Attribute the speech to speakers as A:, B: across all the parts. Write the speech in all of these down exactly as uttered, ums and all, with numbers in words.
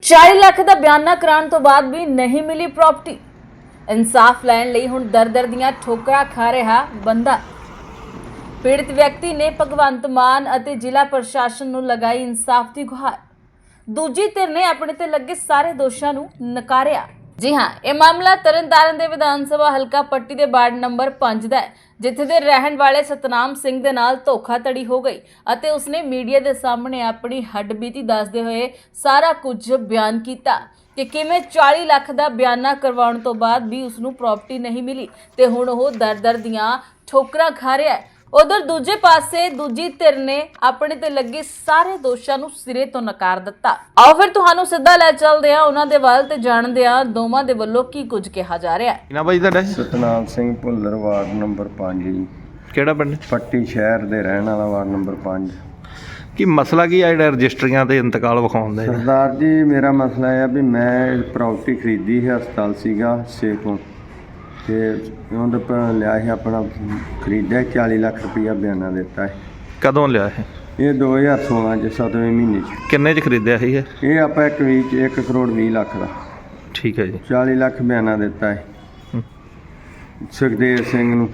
A: चालीस ਲੱਖ ਦਾ ਬਿਆਨਾ ਕਰਾਉਣ ਤੋਂ ਬਾਅਦ ਵੀ ਨਹੀਂ ਮਿਲੀ ਪ੍ਰਾਪਰਟੀ। ਇਨਸਾਫ ਲੈਣ ਲਈ ਹੁਣ ਦਰ ਦਰ ਦੀਆਂ ਠੋਕਰਾਂ ਖਾ ਰਿਹਾ ਬੰਦਾ। ਪੀੜਤ ਵਿਅਕਤੀ ਨੇ ਭਗਵੰਤ ਮਾਨ ਅਤੇ ਜ਼ਿਲ੍ਹਾ ਪ੍ਰਸ਼ਾਸਨ ਨੂੰ ਲਗਾਈ ਇਨਸਾਫ ਦੀ ਗੁਹਾਰ। ਦੂਜੀ ਧਿਰ ਨੇ ਆਪਣੇ ਤੇ ਲੱਗੇ ਸਾਰੇ ਦੋਸ਼ਾਂ ਨੂੰ ਨਕਾਰਿਆ। जी हाँ, यह मामला तरनतारन के विधान सभा हल्का पट्टी के वार्ड नंबर पांच का है, जिथे दे रहन वाले सतनाम सिंह दे नाल धोखाधड़ी हो गई अते उसने मीडिया के सामने अपनी हड्डबीती दसदे हुए सारा कुछ बयान किया कि किवें चालीस लाख का बयाना करवाउण तो बाद भी उसनूं प्रॉपर्टी नहीं मिली ते हुण ओह दर दर दियां ठोकरां खा रहा है। उधर दूजे पासे दूजी धिर ने अपने ते लगे सारे दोषां नूं सिरे तो नकार दिता। आओ फिर तुहानूं सिद्धा लै चलदे हां उन्हां दे वल ते जाणदे हां दोवां दे वल्लों की कुछ कहा जा रहा है।
B: ना भाई तुहाडा
C: सतनाम सिंह भुल्लर वार्ड नंबर पाँच जी,
B: किहड़ा पिंड
C: पट्टी शहर दे रहण वाला वार्ड नंबर पाँच।
B: की मसला की है जिहड़ा रजिस्ट्रियां ते इंतकाल विखाउंदे?
C: सरदार जी मेरा मसला है भी मैं प्रॉपर्टी खरीदी है, हस्पताल सीगा सेखों ते उन्होंने प- लिया है अपना खरीदा चाली लाख रुपया बयाना दिता है।
B: कदों लिया है?
C: ये दो हज़ार सोलह च सतवें महीने च
B: किन्ने च खरीदिया है ये?
C: ये आप एक वीच एक करोड़ भी लाख का
B: ठीक है जी।
C: चाली लाख बयाना दिता है
B: हम्म।
C: सुखदेव सिंह नूं।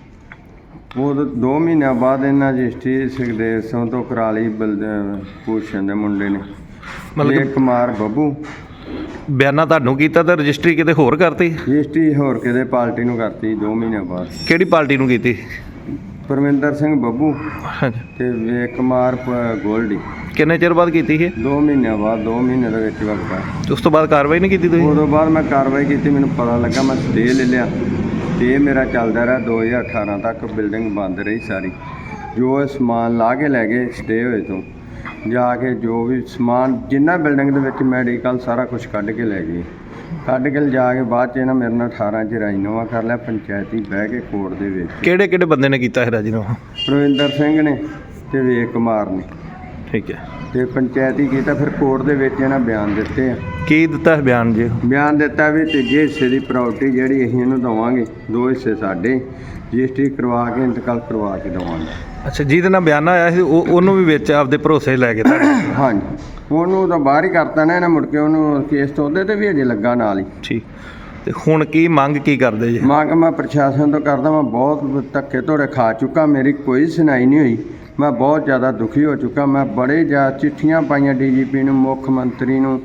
C: वो तो दो महीनों बाद इन्हें रजिस्ट्री सुखदेव सिंह तो करा ली बलदेव भूषण के मुंडे ने
B: मतलब
C: मतलब कुमार ਬੱਬੂ
B: बयाना तुहानूं कीता ते रजिस्ट्री किते होर करती?
C: ਰਜਿਸਟਰੀ ਹੋਰ ਕਿਤੇ ਪਾਰਟੀ ਨੂੰ ਕਰਤੀ ਦੋ ਮਹੀਨੇ ਬਾਅਦ।
B: ਕਿਹੜੀ ਪਾਰਟੀ ਨੂੰ ਕੀਤੀ?
C: ਪਰਮਿੰਦਰ ਸਿੰਘ ਬੱਬੂ
B: ਹਾਂਜੀ।
C: ਤੇ ਵੇਖ ਕੁਮਾਰ ਪ- ਗੋਲਡੀ
B: ਕਿੰਨੇ ਚਿਰ ਬਾਅਦ ਕੀਤੀ ਇਹ?
C: ਦੋ ਮਹੀਨਿਆਂ ਬਾਅਦ ਦੋ ਮਹੀਨੇ ਦੇ ਵਿੱਚ ਵਕਤਾ।
B: ਉਸ ਤੋਂ ਬਾਅਦ ਕਾਰਵਾਈ ਨਹੀਂ ਕੀਤੀ ਤੁਸੀਂ?
C: ਉਦੋਂ ਬਾਅਦ ਮੈਂ ਕਾਰਵਾਈ ਕੀਤੀ, ਮੈਨੂੰ ਪਤਾ ਲੱਗਾ, ਮੈਂ ਸਟੇ ਲੈ ਲਿਆ। ਸਟੇ ਮੇਰਾ ਚੱਲਦਾ ਰਿਹਾ ਦੋ ਹਜ਼ਾਰ ਅਠਾਰਾਂ ਤੱਕ। ਬਿਲਡਿੰਗ ਬੰਦ ਰਹੀ ਸਾਰੀ। ਜੋ ਇਹ ਸਮਾਨ ਲਾ ਕੇ ਲੈ ਗਏ ਸਟੇ ਹੋਏ ਤੋਂ ਜਾ ਕੇ, ਜੋ ਵੀ ਸਮਾਨ ਜਿੰਨਾ ਬਿਲਡਿੰਗ ਦੇ ਵਿੱਚ ਮੈਡੀਕਲ ਸਾਰਾ ਕੁਝ ਕੱਢ ਕੇ ਲੈ ਗਏ। ਕੱਢ ਕੇ ਜਾ ਕੇ ਬਾਅਦ 'ਚ ਇਹਨਾਂ ਮੇਰੇ ਨਾਲ ਅਠਾਰਾਂ 'ਚ ਰਾਜੀਨਾਮਾ ਕਰ ਲਿਆ ਪੰਚਾਇਤੀ ਬਹਿ ਕੇ ਕੋਰਟ ਦੇ ਵਿੱਚ।
B: ਕਿਹੜੇ ਕਿਹੜੇ ਬੰਦੇ ਨੇ ਕੀਤਾ ਹੈ ਰਾਜੀਨਾਮਾ?
C: ਪ੍ਰਵਿੰਦਰ ਸਿੰਘ ਨੇ ਤੇ ਵੇਖ ਕੁਮਾਰ ਨੇ
B: ਠੀਕ ਹੈ।
C: ਤੇ ਪੰਚਾਇਤੀ ਕੀਤਾ। ਫਿਰ ਕੋਰਟ ਦੇ ਵਿੱਚ ਇਹਨਾਂ ਬਿਆਨ ਦਿੱਤੇ ਆ।
B: ਕੀ ਦਿੱਤਾ ਹੈ ਬਿਆਨ ਜੀ?
C: ਬਿਆਨ ਦਿੱਤਾ ਵੀ ਤੀਜੇ ਹਿੱਸੇ ਦੀ ਪ੍ਰਾਪਰਟੀ ਜਿਹੜੀ ਅਸੀਂ ਇਹਨੂੰ ਦੇਵਾਂਗੇ, ਦੋ ਹਿੱਸੇ ਸਾਡੇ, ਰਜਿਸਟਰੀ ਕਰਵਾ ਕੇ ਇੰਤਕਾਲ ਕਰਵਾ ਕੇ ਦੇਵਾਂਗੇ।
B: ਅੱਛਾ, ਜਿਹਦੇ ਨਾਲ ਬਿਆਨ ਆਇਆ ਸੀ ਉਹ ਉਹਨੂੰ ਵੀ ਵਿੱਚ ਆਪਦੇ ਭਰੋਸੇ ਲੈ ਕੇ ਤੁਹਾਡੇ?
C: ਹਾਂਜੀ, ਉਹਨੂੰ ਤਾਂ ਬਾਹਰ ਹੀ ਕਰਤਾ ਨਾ ਇਹਨਾਂ, ਮੁੜ ਕੇ ਉਹਨੂੰ ਕੇਸ ਤੋਂ ਉਹਦੇ ਤੇ ਵੀ ਅਜੇ ਲੱਗਾ ਨਾਲ ਹੀ।
B: ਠੀਕ। ਤੇ ਹੁਣ ਕੀ ਮੰਗ ਕੀ ਕਰਦੇ ਜੀ?
C: ਮੰਗ ਮੈਂ ਪ੍ਰਸ਼ਾਸਨ ਤੋਂ ਕਰਦਾ, ਮੈਂ ਬਹੁਤ ਧੱਕੇ ਧੋੜੇ ਖਾ ਚੁੱਕਾ, ਮੇਰੀ ਕੋਈ ਸੁਣਾਈ ਨਹੀਂ ਹੋਈ। ਮੈਂ ਬਹੁਤ ਜ਼ਿਆਦਾ ਦੁਖੀ ਹੋ ਚੁੱਕਾ। ਮੈਂ ਬੜੇ ਜ਼ਿਆਦਾ ਚਿੱਠੀਆਂ ਪਾਈਆਂ ਡੀ ਜੀ ਪੀ ਨੂੰ, ਮੁੱਖ ਮੰਤਰੀ ਨੂੰ,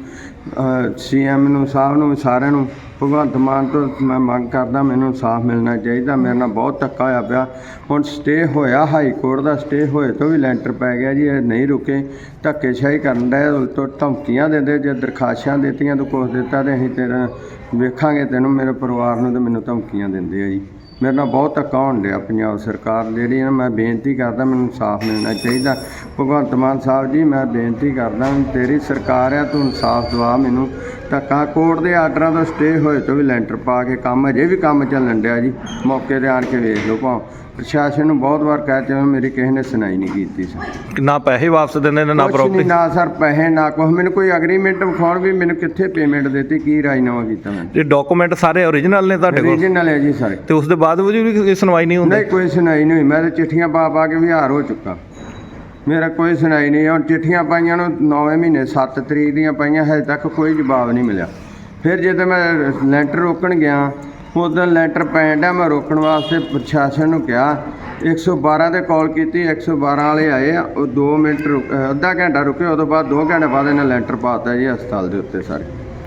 C: ਸੀ ਐਮ ਨੂੰ, ਸਾਹਿਬ ਨੂੰ, ਸਾਰਿਆਂ ਨੂੰ। ਭਗਵੰਤ ਮਾਨ ਤੋਂ ਮੈਂ ਮੰਗ ਕਰਦਾ, ਮੈਨੂੰ ਇਨਸਾਫ ਮਿਲਣਾ ਚਾਹੀਦਾ। ਮੇਰੇ ਨਾਲ ਬਹੁਤ ਧੱਕਾ ਹੋਇਆ ਪਿਆ। ਹੁਣ ਸਟੇ ਹੋਇਆ ਹਾਈ ਕੋਰਟ ਦਾ, ਸਟੇ ਹੋਏ ਤੋਂ ਵੀ ਲੈਂਟਰ ਪੈ ਗਿਆ ਜੀ। ਇਹ ਨਹੀਂ ਰੁਕੇ, ਧੱਕੇਸ਼ਾਹੀ ਕਰਨ ਡਏ, ਉਲਟੋ ਧਮਕੀਆਂ ਦਿੰਦੇ। ਜੇ ਦਰਖਾਸ਼ਾਂ ਦਿੱਤੀਆਂ ਤੂੰ ਕੁਛ ਦਿੱਤਾ ਤੇ ਅਸੀਂ ਤੇਰਾ ਵੇਖਾਂਗੇ ਤੈਨੂੰ, ਮੇਰੇ ਪਰਿਵਾਰ ਨੂੰ, ਤੇ ਮੈਨੂੰ ਧਮਕੀਆਂ ਦਿੰਦੇ ਆ ਜੀ। ਮੇਰੇ ਨਾਲ ਬਹੁਤ ਧੱਕਾ ਹੋਣ ਡਿਆ। ਪੰਜਾਬ ਸਰਕਾਰ ਜਿਹੜੀ ਨਾ, ਮੈਂ ਬੇਨਤੀ ਕਰਦਾ ਮੈਨੂੰ ਇਨਸਾਫ ਮਿਲਣਾ ਚਾਹੀਦਾ। ਭਗਵੰਤ ਮਾਨ ਸਾਹਿਬ ਜੀ, ਮੈਂ ਬੇਨਤੀ ਕਰਦਾ, ਤੇਰੀ ਸਰਕਾਰ ਆ, ਤੂੰ ਇਨਸਾਫ ਦਵਾ ਮੈਨੂੰ। ਧੱਕਾ ਕੋਰਟ ਦੇ ਆਰਡਰਾਂ ਤੋਂ ਸਟੇ ਹੋਏ ਤੋਂ ਵੀ ਲੈਂਟਰ ਪਾ ਕੇ ਕੰਮ, ਅਜੇ ਵੀ ਕੰਮ ਚੱਲਣ ਡਿਆ ਜੀ। ਮੌਕੇ 'ਤੇ ਆਣ ਕੇ ਵੇਖ ਲਓ ਭਾਵੇਂ। ਪ੍ਰਸ਼ਾਸਨ ਨੂੰ ਬਹੁਤ ਵਾਰ ਕਹਿ ਚੁੱਕਾ, ਮੇਰੀ ਕਿਸੇ ਨੇ ਸੁਣਾਈ ਨਹੀਂ ਕੀਤੀ ਸਰ।
B: ਨਾ ਪੈਸੇ ਵਾਪਸ ਦਿੰਦੇ ਨੇ ਨਾ
C: ਕੁਛ
B: ਪ੍ਰਾਪਰਟੀ?
C: ਨਹੀਂ, ਨਾ ਸਰ ਪੈਸੇ ਨਾ ਕੁਛ। ਮੈਨੂੰ ਕੋਈ ਐਗਰੀਮੈਂਟ ਵਿਖਾਉਣ ਵੀ ਮੈਨੂੰ ਕਿੱਥੇ ਪੇਮੈਂਟ ਦਿੱਤੀ, ਕੀ ਰਾਜੀਨਾਮਾ ਕੀਤਾ ਮੈਂ।
B: ਇਹ ਡਾਕੂਮੈਂਟ ਸਾਰੇ ਓਰੀਜਨਲ ਨੇ ਤੁਹਾਡੇ ਕੋਲ?
C: ਰੀਜਨਲ ਹੈ ਜੀ ਸਾਰੇ।
B: ਤੇ ਉਸ ਦੇ ਬਾਅਦ ਵੀ ਕੋਈ ਸੁਣਵਾਈ ਨਹੀਂ ਹੁੰਦੀ?
C: ਨਹੀਂ, ਕੋਈ ਸੁਣਾਈ ਨਹੀਂ ਹੋਈ। ਮੈਂ ਤਾਂ ਚਿੱਠੀਆਂ ਪਾ ਪਾ ਕੇ ਵੀ ਹਾਰ ਹੋ ਚੁੱਕਾ। ਮੇਰਾ ਕੋਈ ਸੁਣਾਈ ਨਹੀਂ। ਹੁਣ ਚਿੱਠੀਆਂ ਪਾਈਆਂ ਨੂੰ ਨੌਵੇਂ ਮਹੀਨੇ ਸੱਤ ਤਰੀਕ ਦੀਆਂ ਪਾਈਆਂ, ਹਜੇ ਤੱਕ ਕੋਈ ਜਵਾਬ ਨਹੀਂ ਮਿਲਿਆ। ਫਿਰ ਜਦੋਂ ਮੈਂ ਲੈਂਟਰ ਰੋਕਣ ਗਿਆ, ਉਦੋਂ ਲੈਂਟਰ ਪੈਣ ਡਿਆ, ਮੈਂ ਰੋਕਣ ਵਾਸਤੇ ਪ੍ਰਸ਼ਾਸਨ ਨੂੰ ਕਿਹਾ, ਇੱਕ ਸੌ ਬਾਰਾਂ 'ਤੇ ਕਾਲ ਕੀਤੀ। ਇੱਕ ਸੌ ਬਾਰਾਂ ਵਾਲੇ ਆਏ ਆ, ਉਹ ਦੋ ਮਿੰਟ ਰੁਕ ਅੱਧਾ ਘੰਟਾ ਰੁਕੇ। ਉਦੋਂ ਬਾਅਦ ਦੋ ਘੰਟੇ ਬਾਅਦ ਇਹਨਾਂ ਲੈਂਟਰ ਪਾਤਾ ਜੀ ਹਸਪਤਾਲ ਦੇ ਉੱਤੇ ਸਾਰੇ।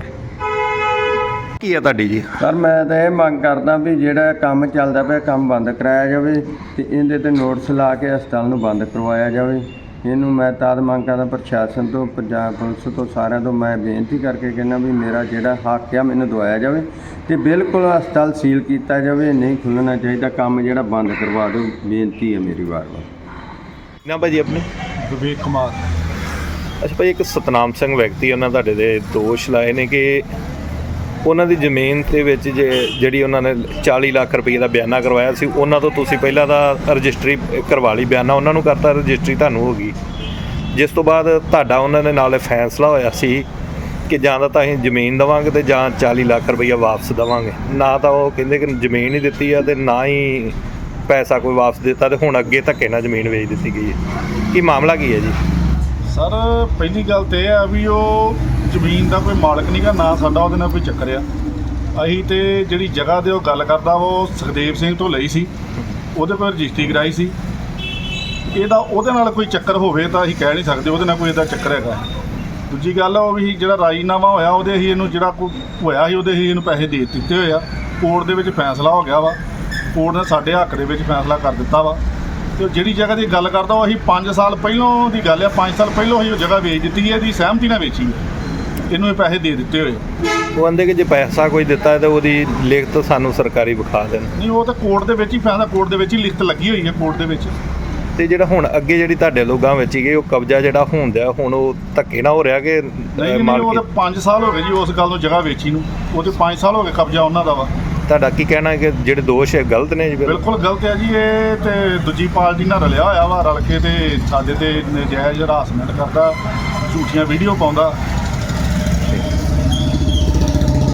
B: ਕੀ ਆ ਤੁਹਾਡੀ ਜੀ?
C: ਸਰ ਮੈਂ ਤਾਂ ਇਹ ਮੰਗ ਕਰਦਾ ਵੀ ਜਿਹੜਾ ਕੰਮ ਚੱਲਦਾ ਪਿਆ ਕੰਮ ਬੰਦ ਕਰਾਇਆ ਜਾਵੇ ਤੇ ਇਹਦੇ ਤੇ ਨੋਟਿਸ ਲਾ ਕੇ ਹਸਪਤਾਲ ਨੂੰ ਬੰਦ ਕਰਵਾਇਆ ਜਾਵੇ। ਇਹਨੂੰ ਮੈਂ ਤਦ ਮੰਗ ਕਰਦਾ ਪ੍ਰਸ਼ਾਸਨ ਤੋਂ, ਪੰਜਾਬ ਪੁਲਿਸ ਤੋਂ, ਸਾਰਿਆਂ ਤੋਂ ਮੈਂ ਬੇਨਤੀ ਕਰਕੇ ਕਹਿੰਦਾ ਵੀ ਮੇਰਾ ਜਿਹੜਾ ਹੱਕ ਆ ਮੈਨੂੰ ਦਵਾਇਆ ਜਾਵੇ ਤੇ ਬਿਲਕੁਲ ਹਸਪਤਾਲ ਸੀਲ ਕੀਤਾ ਜਾਵੇ। ਨਹੀਂ ਖੁੱਲ੍ਹਣਾ ਚਾਹੀਦਾ, ਕੰਮ ਜਿਹੜਾ ਬੰਦ ਕਰਵਾ ਦਿਓ, ਬੇਨਤੀ ਹੈ ਮੇਰੀ ਵਾਰ-ਵਾਰ।
B: ਨਾ ਭਾਜੀ ਆਪਣੇ?
D: ਵਿਵੇਕ ਕੁਮਾਰ।
B: ਅੱਛਾ ਭਾਈ, ਇੱਕ ਸਤਨਾਮ ਸਿੰਘ ਵਿਅਕਤੀ, ਉਹਨਾਂ ਤੁਹਾਡੇ ਦੇ ਦੋਸ਼ ਲਾਏ ਨੇ ਕਿ ਉਹਨਾਂ ਦੀ ਜ਼ਮੀਨ ਦੇ ਵਿੱਚ ਜੇ ਜਿਹੜੀ ਉਹਨਾਂ ਨੇ ਚਾਲੀ ਲੱਖ ਰੁਪਏ ਦਾ ਬਿਆਨਾ ਕਰਵਾਇਆ ਸੀ, ਉਹਨਾਂ ਤੋਂ ਤੁਸੀਂ ਪਹਿਲਾਂ ਤਾਂ ਰਜਿਸਟਰੀ ਕਰਵਾ ਲਈ, ਬਿਆਨਾ ਉਹਨਾਂ ਨੂੰ ਕਰਤਾ, ਰਜਿਸਟਰੀ ਤੁਹਾਨੂੰ ਹੋ ਗਈ। ਜਿਸ ਤੋਂ ਬਾਅਦ ਤੁਹਾਡਾ ਉਹਨਾਂ ਦੇ ਨਾਲ ਫੈਸਲਾ ਹੋਇਆ ਸੀ ਕਿ ਜਾਂ ਤਾਂ ਅਸੀਂ ਜ਼ਮੀਨ ਦੇਵਾਂਗੇ ਤੇ ਜਾਂ ਚਾਲੀ ਲੱਖ ਰੁਪਈਆ ਵਾਪਸ ਦੇਵਾਂਗੇ। ਨਾ ਤਾਂ ਉਹ ਕਹਿੰਦੇ ਕਿ ਜ਼ਮੀਨ ਹੀ ਦਿੱਤੀ ਆ ਤੇ ਨਾ ਹੀ ਪੈਸਾ ਕੋਈ ਵਾਪਸ ਦਿੱਤਾ, ਤੇ ਹੁਣ ਅੱਗੇ ਧੱਕੇ ਨਾਲ ਜ਼ਮੀਨ ਵੇਚ ਦਿੱਤੀ ਗਈ ਹੈ। ਕੀ ਮਾਮਲਾ ਕੀ ਹੈ ਜੀ?
D: ਸਰ ਪਹਿਲੀ ਗੱਲ ਤਾਂ ਇਹ ਆ ਵੀ ਉਹ ਜ਼ਮੀਨ ਦਾ ਕੋਈ ਮਾਲਕ ਨਹੀਂਗਾ, ਨਾ ਸਾਡਾ ਉਹਦੇ ਨਾਲ ਕੋਈ ਚੱਕਰ ਆ। ਅਸੀਂ ਤੇ ਜਿਹੜੀ ਜਗ੍ਹਾ ਦੇ ਉਹ ਗੱਲ ਕਰਦਾ ਵਾ ਉਹ ਸੁਖਦੇਵ ਸਿੰਘ ਤੋਂ ਲਈ ਸੀ, ਉਹਦੇ ਕੋਲ ਰਜਿਸਟਰੀ ਕਰਾਈ ਸੀ। ਇਹਦਾ ਉਹਦੇ ਨਾਲ ਕੋਈ ਚੱਕਰ ਹੋਵੇ ਤਾਂ ਅਸੀਂ ਕਹਿ ਨਹੀਂ ਸਕਦੇ ਉਹਦੇ ਨਾਲ ਕੋਈ ਇਹਦਾ ਚੱਕਰ ਹੈਗਾ। ਦੂਜੀ ਗੱਲ ਉਹ ਵੀ ਜਿਹੜਾ ਰਾਜੀਨਾਮਾ ਹੋਇਆ ਉਹਦੇ ਅਸੀਂ ਇਹਨੂੰ ਜਿਹੜਾ ਕੋਈ ਹੋਇਆ ਸੀ ਉਹਦੇ ਅਸੀਂ ਇਹਨੂੰ ਪੈਸੇ ਦੇ ਦਿੱਤੇ ਹੋਏ ਆ। ਕੋਰਟ ਦੇ ਵਿੱਚ ਫੈਸਲਾ ਹੋ ਗਿਆ ਵਾ, ਕੋਰਟ ਨੇ ਸਾਡੇ ਹੱਕ ਦੇ ਵਿੱਚ ਫੈਸਲਾ ਕਰ ਦਿੱਤਾ ਵਾ। ਤੇ ਜਿਹੜੀ ਜਗ੍ਹਾ ਦੀ ਗੱਲ ਕਰਦਾ ਉਹ ਅਸੀਂ ਪੰਜ ਸਾਲ ਪਹਿਲੋਂ ਦੀ ਗੱਲ ਆ, ਪੰਜ ਸਾਲ ਪਹਿਲੋਂ ਅਸੀਂ ਉਹ ਜਗ੍ਹਾ ਵੇਚ ਦਿੱਤੀ ਹੈ, ਇਹਦੀ ਸਹਿਮਤੀ ਨਾਲ ਵੇਚੀ ਹੈ, ਇਹਨੂੰ ਇਹ ਪੈਸੇ ਦੇ ਦਿੱਤੇ ਹੋਏ।
B: ਉਹ ਕਹਿੰਦੇ ਕਿ ਜੇ ਪੈਸਾ ਕੋਈ ਦਿੱਤਾ ਹੈ ਤਾਂ ਉਹਦੀ ਲਿਖਤ ਸਾਨੂੰ ਸਰਕਾਰੀ ਵਿਖਾ ਦੇਣ।
D: ਨਹੀਂ, ਉਹ ਤਾਂ ਕੋਰਟ ਦੇ ਵਿੱਚ ਹੀ ਫੈਸਲਾ, ਕੋਰਟ ਦੇ ਵਿੱਚ ਹੀ ਲਿਖਤ ਲੱਗੀ ਹੋਈ ਹੈ ਕੋਰਟ ਦੇ ਵਿੱਚ।
B: ਤੇ ਜਿਹੜਾ ਹੁਣ ਅੱਗੇ ਜਿਹੜੀ ਤੁਹਾਡੇ ਲੋਕਾਂ ਵਿੱਚ ਹੀ ਉਹ ਕਬਜ਼ਾ ਜਿਹੜਾ ਹੁੰਦਾ ਹੁਣ ਉਹ ਧੱਕੇ ਨਾਲ ਹੋ ਰਿਹਾ ਕਿ
D: ਨਹੀਂ ਨਹੀਂ, ਉਹ ਤਾਂ ਪੰਜ ਸਾਲ ਹੋ ਗਏ ਜੀ ਉਸ ਗੱਲ ਨੂੰ ਜਗ੍ਹਾ ਵੇਚੀ ਨੂੰ, ਉਹ ਤੇ ਪੰਜ ਸਾਲ ਹੋ ਗਏ ਕਬਜ਼ਾ ਉਹਨਾਂ ਦਾ ਵਾ।
B: ਤੁਹਾਡਾ ਕੀ ਕਹਿਣਾ ਕਿ ਜਿਹੜੇ ਦੋਸ਼ ਹੈ ਗਲਤ ਨੇ ਜੀ?
D: ਬਿਲਕੁਲ ਗਲਤ ਹੈ ਜੀ, ਇਹ ਤੇ ਦੂਜੀ ਪਾਰਟੀ ਨਾਲ ਰਲਿਆ ਹੋਇਆ ਵਾ, ਰਲ ਕੇ ਤੇ ਸਾਡੇ ਤੇ ਨਜਾਇਜ਼ ਹਰਾਸਮੈਂਟ ਕਰਦਾ, ਝੂਠੀਆਂ ਵੀਡੀਓ ਪਾਉਂਦਾ।